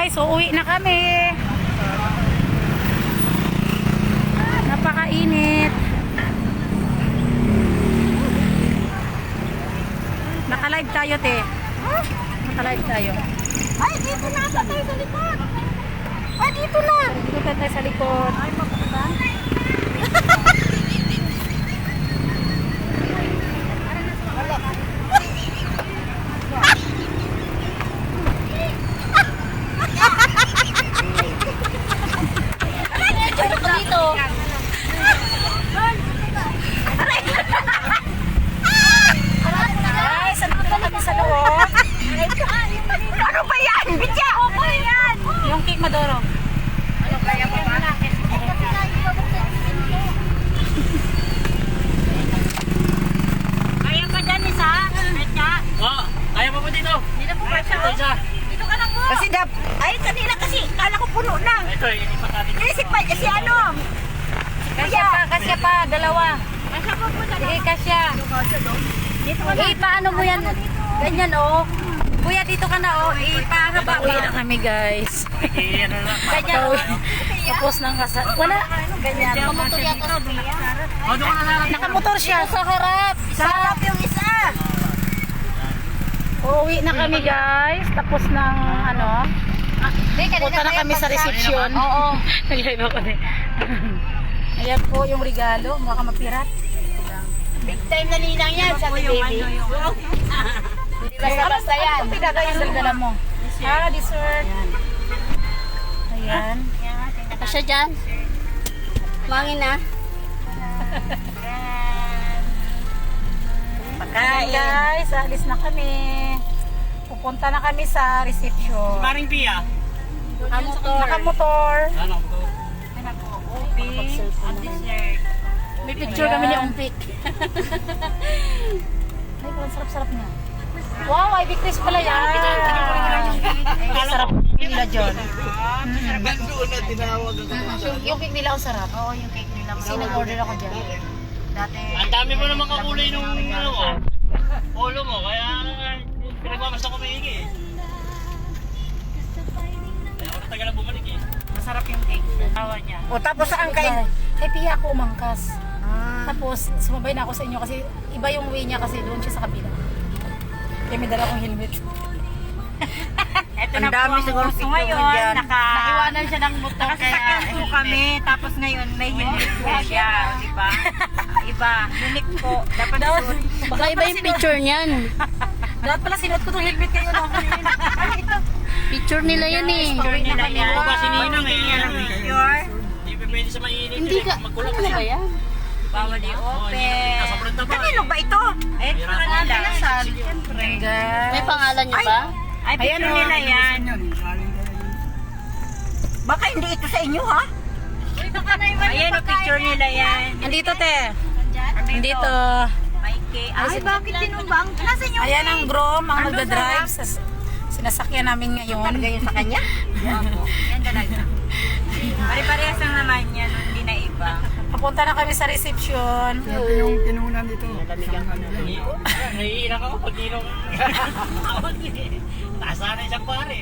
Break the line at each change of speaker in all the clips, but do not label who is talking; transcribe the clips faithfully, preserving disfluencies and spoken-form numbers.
guys, uuwi na kami. Napakainit. Naka-live tayo, te. Naka-live tayo.
Ay, dito na ata tayo sa likod. Ay, dito na.
Dito tayo sa likod.
Ay, mapunta. Ano ba yan? Bitya! Opo yan!
Yung cake maduro.
Ano kaya pa ba? Kaya pa dyan isa? Bitya?
Oo, kaya mo po dito.
Dito po ba siya?
Ito isa.
Dito ka na po. Kasi dap. Ay, kanina kasi. Kala ko puno na.
Ito, inipat natin.
Inisip pa si ano?
Kasya pa, kasya pa, dalawa.
Kasya po po
Sige, kasya.
Dito ka na.
Eh, paano mo yan? Ganyan, oh. Kuya, dito ka na, oh. Eh, pahaba. Uwi na kami, guys.
Eh, ano na.
Ganyan, oh. Tapos nang kasal. Wala. Ganyan.
Kamotor yata sa biya.
O, doon ka na lang.
Nakamotor siya. Sa harap.
Sa harap yung isa.
Uuwi na kami, guys. Tapos ng, ano, punta na kami sa reception.
Oo.
Nag-live ako din. Ayan po yung regalo. Baka mapirat.
Big time na ninang yan sa baby. Basta-basta yan.
Ito pinagay yung dala mo. Ah, dessert. Ayan.
Pasya dyan. Mangin na.
Ayan, guys. Alis na kami. Pupunta na kami sa reception.
Maring Pia.
Nakamotor. Nakamotor.
Ano po?
At dessert.
May picture kami ni Umpik. Ay, parang sarap-sarap niya. Wow, Ivy Chris pala yan. Ay, sarap nila dyan.
Doon na tinawag ako.
Yung cake nila ang sarap.
Oo, yung cake nila.
Kasi nag-order ako dyan.
Dati.
Ang dami mo naman kakulay nung ano mo. Polo mo, kaya pinagmamasta ko maigi eh. Kaya ako natagal na bumalik eh.
Masarap yung cake. Tawa niya.
O, tapos saan kayo? Kay Pia ako umangkas. Tapos, sumabay na ako sa inyo kasi iba yung way niya kasi doon siya sa kabila. Kaya may dala akong helmet.
Ito na po ang
siguro
gusto
picture
ngayon.
dyan.
Naka,
Naiwanan siya ng motor
nakasasakyan po kami. Tapos ngayon may helmet po siya. Diba? Iba. Unique po. Dapat suot.
Baka iba yung picture niyan. Dapat pala sinuot ko itong helmet kayo na. Picture nila yan eh.
Picture nila yan.
Ako ba si Ninang eh?
Picture.
Hindi pa pwede sa mainit.
Hindi ka,
Magkulong
ano ba yan?
Bawal i-open.
Nasa na ba?
Kanino ba ito? Eh, sa kanila. Siyempre.
May pangalan niyo ba?
Ay, picture nila yan. Baka hindi ito sa inyo, ha? Ayan ang picture nila yan.
Andito te. Andito.
May cake. Ay, bakit tinumbang? Nasa inyo?
Ayan ang grom, ang magdadrive sa sinasakyan namin ngayon.
Talaga yun sa kanya? Opo. Yan talaga. Pare-parehas lang naman yan. Hindi na iba.
Papunta na kami sa reception.
Yung tinunan dito.
Naiilang ako pag ilong. Nasa na isang pare.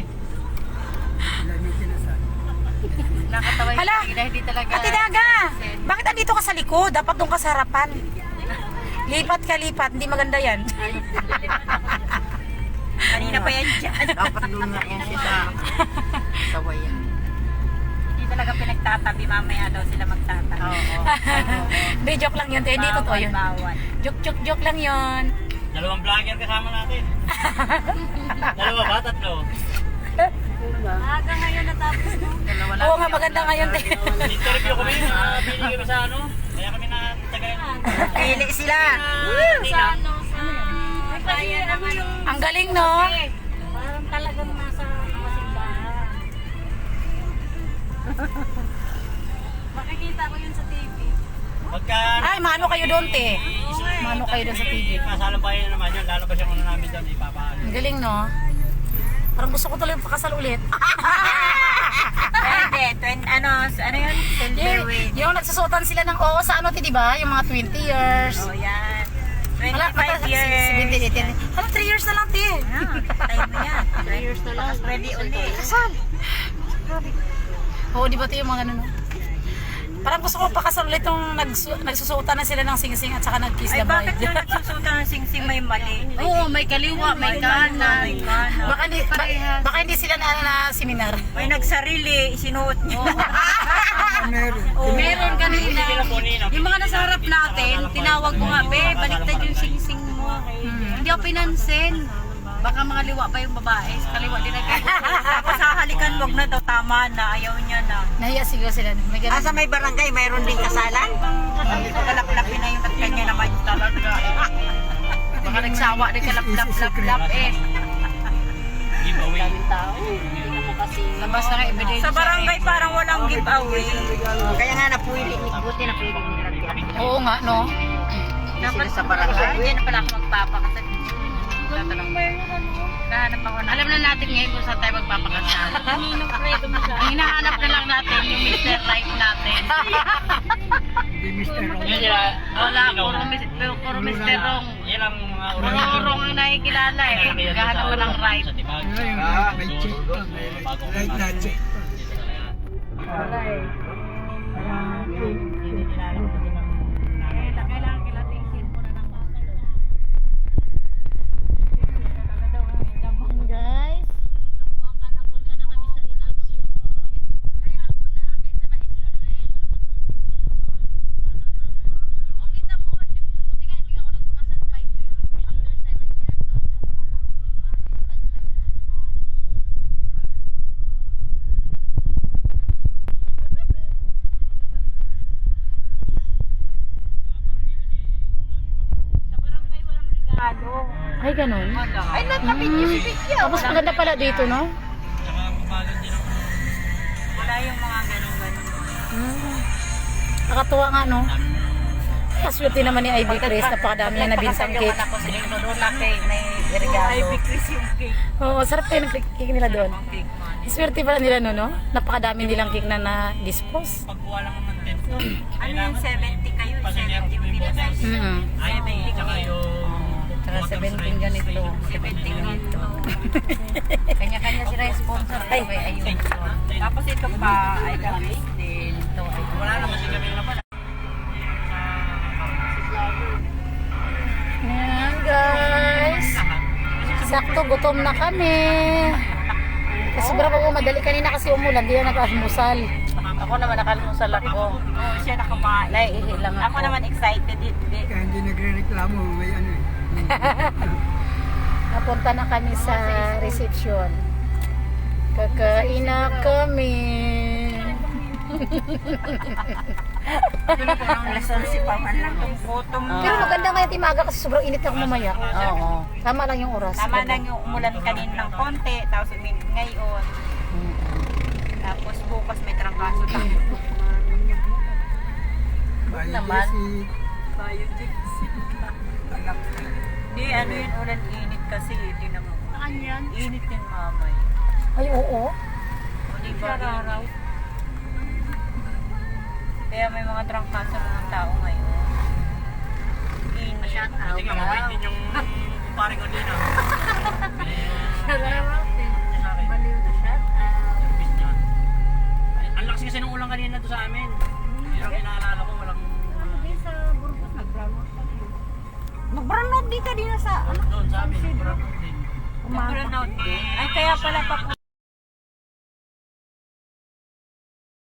Nakatawa yung
Hala!
kanila. Hindi talaga.
Ate Daga, bakit andito ka sa likod? Dapat doon ka sa harapan. Lipat ka, lipat. Hindi maganda yan.
Kanina pa yan dyan.
Dapat doon nga yan siya sa sawayan.
Hindi talaga pinagtatabi. Mamaya daw sila magtatabi.
Oo.
Hindi, joke lang yun. te. Hindi totoo yun.
Bawal.
Joke, joke, joke lang yun.
Dalawang vlogger kasama natin. Dalawa ba? Tatlo?
Aga ngayon natapos mo. Dalawa lang.
Oo nga, maganda ngayon. te.
Interview kami. Uh, pili kami sa ano. Kaya kami na tagalan.
Pili sila.
Sa
ano? Sa... Kaya naman.
Ang galing, no?
Parang talagang nasa kasimbahan. Makikita ko yun sa T V.
Pagka...
Ay, mano kayo doon, te. Mano kayo doon sa T V.
Kasalang bayan na naman yun. Lalabas yung ano namin doon. Ipapaano.
Ang galing, no? Parang gusto ko tuloy pakasal ulit.
Pwede. Twen, ano, ano yun? Silver
yung,
wave.
yung nagsusuotan sila ng oo sa ano, te, di ba? Yung mga twenty years.
Oh, yan. twenty-five years.
seventeen, eighteen. Ano, three years na lang, te.
Ah, time na yan. three years na lang. Ready ulit.
Kasal. Oo, di ba ito yung mga ano, no? Parang gusto ko pakasal ulit yung nagsu nagsusuotan na sila ng sing-sing at saka nag-kiss
Ay,
the
bakit
bride.
yung nagsusuta ng sing-sing may mali?
Oo, may kaliwa, may kanan.
May kanan.
Baka hindi, ba, baka hindi sila na, na seminar.
May nagsarili, isinuot niyo.
Oh, meron kanina.
Sila po nina.
Yung mga nasa harap natin, tinawag ko nga, be, baliktad yung sing-sing mo. Hindi ako pinansin. Baka mga liwa pa yung babae. Sa kaliwa din nag
Tapos hahalikan, wag na daw, tama na, ayaw niya na.
Nahiya siguro sila. May ganun.
Asa may barangay, mayroon din kasalan? Sabi ko, kalaklapin na yung kanya naman talaga.
Baka nagsawa din ka lap-lap-lap-lap eh.
Giveaway.
Labas na nga ebidensya.
Sa barangay parang walang giveaway. Kaya nga napuli, buti napili nila yan.
Oo nga, no?
Dapat
Sa barangay. Hindi na pala ako magpapakasal. Tatanong. Nahanap ako na. Alam na natin ngayon kung saan tayo magpapakasal. Ang hinahanap na lang natin yung mister Right natin.
Yan sila.
Wala, puro, mis- puro mister Wrong.
Yan ang mga
Puro Wrong ang nakikilala eh. Gahanap ka ng right.
Ah, may check pa. Right na check.
Guys. Ay, ganun.
Ay, natapit niyo si Bigya.
Tapos maganda pala dito, no?
Wala yung mga ganun-ganun.
Hmm. Nakatuwa nga, no? Kaswerte naman ni Ivy Chris. Napakadami niya nabintang cake.
Ako sa dito doon na cake, may regalo.
Ay, bikris yung cake.
Oo, sarap kayo ng cake nila doon. Swerte pala nila, no, no? Napakadami nilang cake na na-dispose.
Pagkuha lang ng tent.
Ano yung seventy kayo? seventy pinasay.
Mm-hmm.
seventy kayo.
Saka seventeen ganito.
seventy ganito.
Kanya-kanya sila yung sponsor. Ay, may ayun.
Tapos ito pa, ay gamis din. Ito ay
Wala naman si kami naman.
Ayan, guys. Sakto, gutom na kami. Kasi sobrang ako madali kanina kasi umulan. Di na nakamusal.
Ako naman nakalmusal ako.
oh, siya nakabahay.
Naiihi lang ako.
Ako naman excited. Hindi.
Kaya hindi nagre-reklamo, may ano eh.
Napunta na kami sa reception. Kakain na kami.
Alas onse pa man lang itong photo mo.
Pero maganda nga yung timaga kasi sobrang init ako mamaya.
Oo.
Tama lang yung oras.
Tama lang yung umulan kanina ng konti, tapos uminit ngayon. Tapos bukas may trangkaso lang.
Naman.
Di, ano yun, ulan init kasi. Di naman. Saan yan? Init yun, mamay.
Ay, oo.
O, di ba? Init. Kaya may mga trangkaso ng tao ngayon. Init.
Kasi nga, mabait din yung kumpare ko din ah. Service niya. Ay, ang lakas kasi ng ulang kanina to sa amin. Yun ang inaalala ko, walang...
Mag-burnout di ka din sa ano?
Doon sa amin, parang din.
Mag-burnout din. Ay, kaya pala pa